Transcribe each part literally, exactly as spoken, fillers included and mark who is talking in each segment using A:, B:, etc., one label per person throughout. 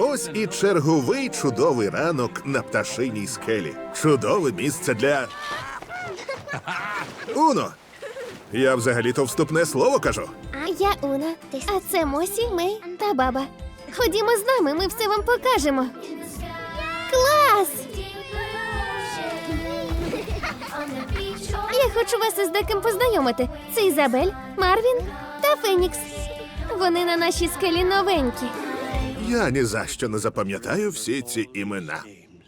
A: Ось і черговий чудовий ранок на пташиній скелі. Чудове місце для... Уно! Я взагалі-то вступне слово кажу.
B: Я Уна, а це Мосі, Мей та Баба. Ходімо з нами, ми все вам покажемо. Клас! Я хочу вас із деким познайомити. Це Ізабель, Марвін та Фенікс. Вони на нашій скелі новенькі.
A: Я ні за що не запам'ятаю всі ці імена.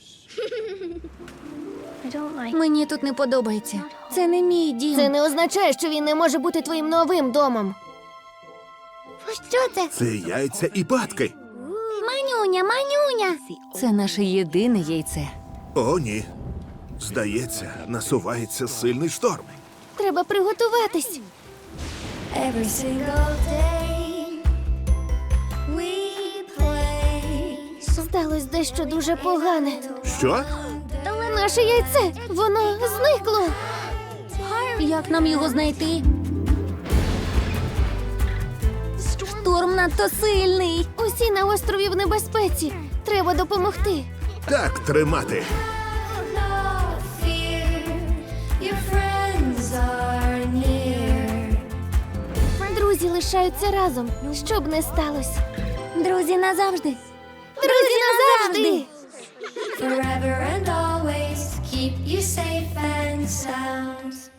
C: Мені тут не подобається. Це не мій дім.
B: Це не означає, що він не може бути твоїм новим домом. Що це?
A: Це яйця і батки.
B: Манюня, манюня!
C: Це наше єдине яйце.
A: О, ні. Здається, насувається сильний шторм.
B: Треба приготуватись.
D: Every single day we play.
B: Сталося дещо дуже погане.
A: Що?
B: Наше яйце, воно зникло.
C: Як нам його знайти? Шторм надто сильний.
B: Усі на острові в небезпеці. Треба допомогти.
A: Так тримати.
D: No fear, your friends are near.
B: Друзі лишаються разом, що б не сталося.
C: Друзі назавжди.
B: Друзі назавжди!
D: Forever and always keep you safe and sound.